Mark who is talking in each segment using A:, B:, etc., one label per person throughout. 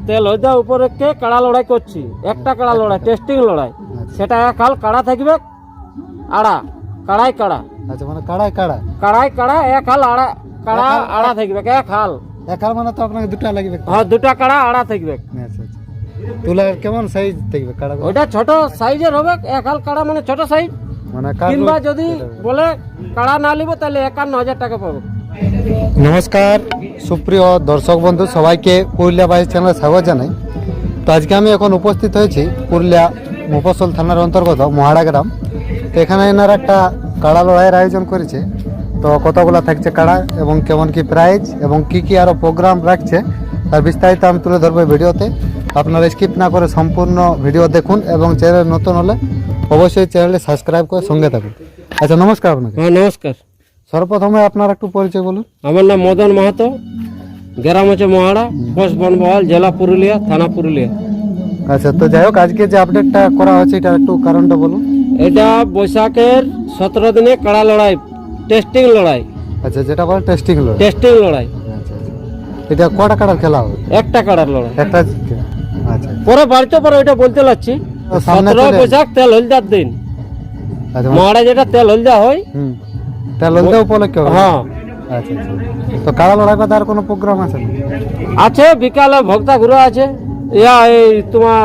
A: তেল হইতে উপরে কে কাড়া লড়াই করছি, একটা কাড়া লড়াই, টেস্টিং লড়াই, সেটা এক হাল কাড়া থাকবে, আড়া কাড়াই কাড়া।
B: আচ্ছা, মানে কাড়াই কাড়া,
A: কাড়াই কাড়া এক হাল আড়া, কাড়া আড়া থাকবে এক হাল।
B: এক হাল মানে তো আপনাকে দুটা লাগবে।
A: হ্যাঁ, দুটা কাড়া আড়া থাকবে।
B: আচ্ছা আচ্ছা, তুলার কেমন সাইজ থাকবে কাড়া?
A: ওইটা ছোট সাইজের হবে, এক হাল কাড়া মানে ছোট সাইজ।
B: মানে
A: কিংবা যদি বলে কাড়া না নিব তাহলে 51,000 টাকা পাবো।
B: নমস্কার সুপ্রিয় দর্শক বন্ধু, সবাইকে পুরুলিয়া বাইশ চ্যানেলে স্বাগত জানাই। তো আজকে আমি এখন উপস্থিত হয়েছি পুরুলিয়া মুফস্বল থানার অন্তর্গত মহাড়া গ্রাম। তো এখানে এনারা একটা কাড়া লড়াইয়ের আয়োজন করেছে। তো কতগুলো থাকছে কাড়া এবং কেমন কি প্রাইজ এবং কি আরও প্রোগ্রাম রাখছে তার বিস্তারিত আমি তুলে ধরবো ভিডিওতে। আপনারা স্কিপ না করে সম্পূর্ণ ভিডিও দেখুন এবং চ্যানেল নতুন হলে অবশ্যই চ্যানেলে সাবস্ক্রাইব করে সঙ্গে থাকুন। আচ্ছা, নমস্কার আপনাকে।
A: হ্যাঁ, নমস্কার।
B: সর্বপ্রথমে আপনার একটু পরিচয় বলুন।
A: আমার নাম মদন মাহাতো, গ্রাম হচ্ছে মহাড়া, পোস্ট বনবহাল, জেলা পুরুলিয়া, থানা পুরুলিয়া।
B: আচ্ছা, তো যাই হোক, আজকে যে আপডেটটা করা হচ্ছে এটার একটু কারণটা বলুন।
A: এটা বৈশাখের 17 দিনে কাড়া লড়াই, টেস্টিং লড়াই।
B: আচ্ছা, যেটা বলে টেস্টিং লড়াই।
A: টেস্টিং লড়াই।
B: আচ্ছা আচ্ছা, এটা কটা কাড়ার খেলা হবে?
A: একটা কাড়ার লড়াই।
B: একটা। আচ্ছা
A: পরে বাড়িতে পরে ওইটা বলতে লাগছি।
B: তো সামনে
A: 17 বৈশাখ তেল হলদার দিন,
B: আচ্ছা,
A: মহাড়া যেটা তেল হলদা হয়।
B: তাহলে লড়তে উপলক্ষে হবে।
A: হ্যাঁ,
B: আচ্ছা আচ্ছা, তো কাড়া লড়াই কথা আর কোনো প্রোগ্রাম আছে না?
A: আছে বিকালে ভক্তা ঘুরে আছে। এই তোমার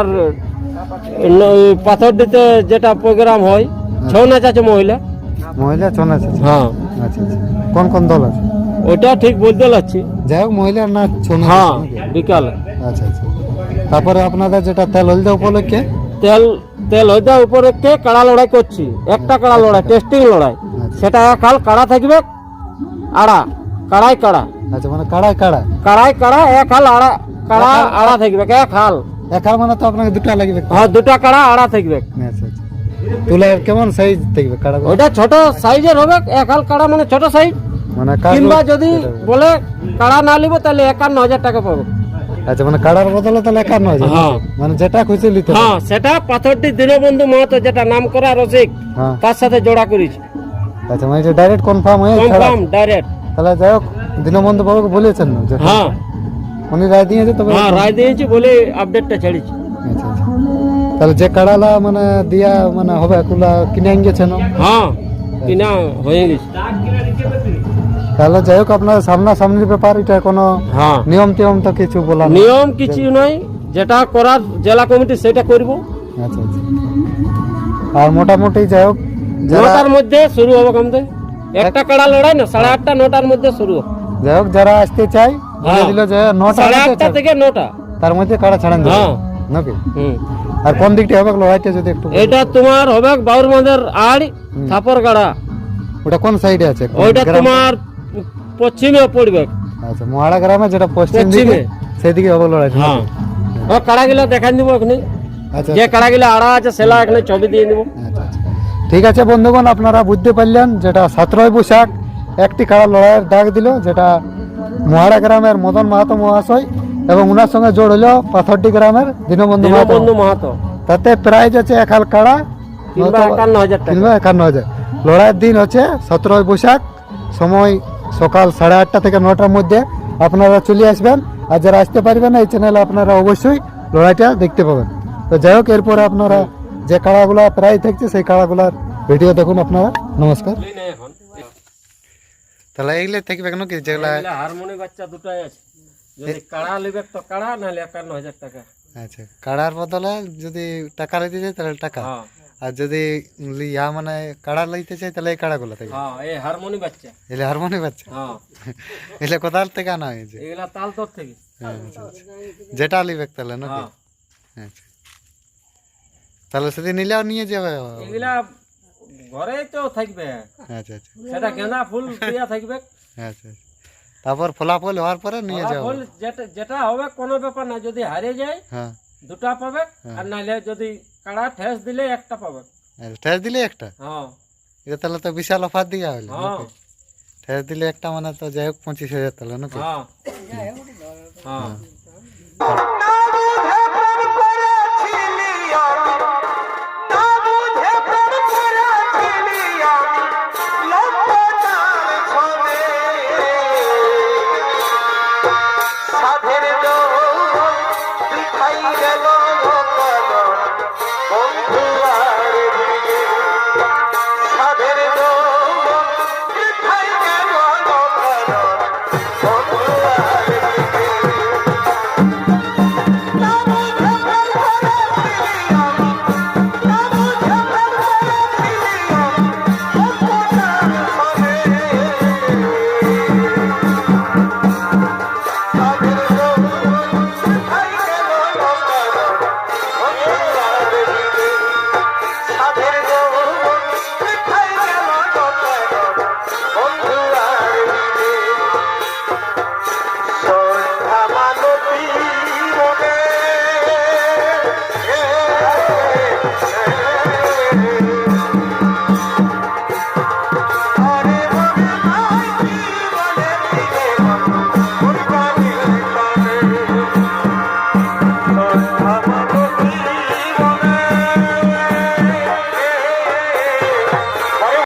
A: পাথর দিতে যেটা প্রোগ্রাম হয়, ছৌ নাচ আছে মহিলা।
B: মহিলা ছৌ নাচ আছে?
A: হ্যাঁ।
B: আচ্ছা আচ্ছা, কোন কোন দল আছে?
A: ওইটা ঠিক বলতে লাগছি।
B: যাই হোক, মহিলার নাচ ছৌ নাচ
A: হ্যাঁ,
B: আছে নাকি?
A: বিকালে।
B: আচ্ছা আচ্ছা, তারপরে আপনাদের যেটা তেল হলদে উপলক্ষে
A: তেল হইতে উপরে কে কাড়া লড়াই করছি, একটা কাড়া লড়াই, টেস্টিং লড়াই, সেটা এক হাল কাড়া থাকবে, আড়া কাড়াই কাড়া।
B: আচ্ছা, মানে কাড়াই কাড়া,
A: কাড়াই কাড়া এক হাল আড়া, কাড়া আড়া থাকবে এক হাল।
B: এক হাল মানে তো আপনাকে দুটা লাগবে।
A: হ্যাঁ, দুটা কাড়া আড়া থাকবে।
B: আচ্ছা আচ্ছা, তুলার কেমন সাইজ থাকবে কাড়া?
A: ওইটা ছোট সাইজের হবে, এক হাল কাড়া মানে ছোট সাইজ।
B: মানে
A: কিংবা যদি বলে কাড়া না নিব তাহলে 51,000 টাকা পাবো।
B: আচ্ছা, মানে কাড়ার বদলে তাহলে 51,000?
A: হ্যাঁ,
B: মানে যেটা খুশি নিতে।
A: হ্যাঁ, সেটা পাথরটি দীনবন্ধু মাহাতো যেটা নাম করা রসিক,
B: হ্যাঁ।
A: তার সাথে জোড়া করেছি।
B: আচ্ছা, মানে এটা ডাইরেক্ট কনফার্ম হয়ে ছাড়া?
A: Confirm direct.
B: তাহলে যাই হোক, দীনবন্ধু বাবুকে বলেছেন না যে?
A: হ্যাঁ
B: উনি রায় দিয়েছে তবে?
A: হ্যাঁ, রায় দিয়েছি বলে আপডেটটা ছেড়েছি।
B: আচ্ছা আচ্ছা, তাহলে যে কাড়ালা মানে দিয়া মানে হবে এগুলা কিনে আন গেছেন?
A: হ্যাঁ, কিনা হয়ে গেছে।
B: তাহলে যাই হোক, আপনার সামনাসামনির ব্যাপার, এটা কোনো
A: হ্যাঁ,
B: নিয়ম টিয়ম তো কিছু বলা নেই?
A: নিয়ম কিছু নয়, যেটা করার জেলা কমিটি সেটা করব।
B: আচ্ছা আচ্ছা, আর মোটামুটি যাই হোক
A: 9টার মধ্যে শুরু হবে কমতে। একটা কাড়া লড়াই না, 8:30 9টার মধ্যে শুরু হবে।
B: যাই হোক, যারা আসতে চাই বলে দিল যে 9টা
A: 8:30 থেকে 9টা,
B: তার মধ্যে কাড়া ছাড়েন দেবে
A: হ্যাঁ।
B: নাকি?
A: হুম।
B: আর কোন দিকটা হবে লড়াইটা যদি একটু?
A: এটা তোমার হবে বাউরমাদের আড় থাপর গাড়া।
B: ওটা কোন সাইডে আছে?
A: ওইটা তোমার পশ্চিমে পড়বে।
B: আচ্ছা, মহাড়া গ্রামে যেটা পশ্চিম দিকে,
A: পশ্চিমে।
B: সেদিকে হবে লড়াই?
A: হ্যাঁ, ও কাড়াগুলো দেখাই দিব এখানে।
B: আচ্ছা
A: যে কাড়াগুলো আড়া আছে সেলা এখানে ছবি দিয়ে দিব।
B: আচ্ছা আচ্ছা, ঠিক আছে বন্ধুগণ, আপনারা বুঝতে পারলেন যেটা 17 বৈশাখ একটি কাড়া লড়াইয়ের ডাক দিল, যেটা মহাড়া গ্রামের মদন মাহাতো মহাশয় এবং ওনার সঙ্গে জোড় হলো পাথরডি গ্রামের দীনবন্ধু
A: মাহাতো।
B: তাতে প্রাইজ আছে এক হাল কাড়া
A: কিংবা 51,000 টাকা।
B: কিংবা 51,000। লড়াইয়ের দিন হচ্ছে 17 বৈশাখ, সময় সকাল 8:30 থেকে 9টার মধ্যে আপনারা চলে আসবেন। আর যারা আসতে পারবেন না, এই চ্যানেলে আপনারা অবশ্যই লড়াইটা দেখতে পাবেন। তো যাই হোক, এরপরে আপনারা যে কাড়াগুলা প্রায় থাকছে সেই কাড়াগুলার ভিডিও দেখুন আপনারা। নমস্কার। তাহলে এইগুলো থাকবে কেন কি যেগুলা?
A: হারমোনি বাচ্চা দুটাই আছে, যদি কাড়া লিবে তো কাড়া, নাহলে 51,000 টাকা।
B: আচ্ছা, কাড়ার বদলে যদি টাকা লইতে চাই তাহলে টাকা,
A: হ্যাঁ
B: আর যদি মানে কাড়া লইতে চাই তাহলে এই কাড়াগুলো থাকবে?
A: হ্যাঁ, এই হারমোনি বাচ্চা।
B: এলে হারমোনি বাচ্চা?
A: হ্যাঁ,
B: এলে কোথার থেকে আনা হয়েছে?
A: এগুলা তালতর থেকে।
B: আচ্ছা আচ্ছা, যেটা লিবে তাহলে নাকি?
A: হ্যাঁ,
B: আচ্ছা, তাহলে সেদিন নিলেও নিয়ে যাবে?
A: এগুলা ঘরেই তো থাকবে।
B: আচ্ছা আচ্ছা,
A: সেটা গেঁদা ফুল দিয়া থাকবে।
B: আচ্ছা আচ্ছা, তারপর ফলাফল হওয়ার পরে নিয়ে যাবো?
A: ফুল যেটা হবে কোনো ব্যাপার না, যদি হারিয়ে যায়
B: হ্যাঁ,
A: দুটা পাবে, আর নাহলে যদি কাড়া ঠেস দিলে একটা পাবে।
B: ঠেস দিলে একটা?
A: হ্যাঁ
B: এটা তাহলে তো বিশাল অফার দিয়া হইলো।
A: হ্যাঁ
B: ঠেস দিলে একটা মানে তো যাই হোক 25,000 তাহলে নাকি?
A: হ্যাঁ হ্যাঁ। গেল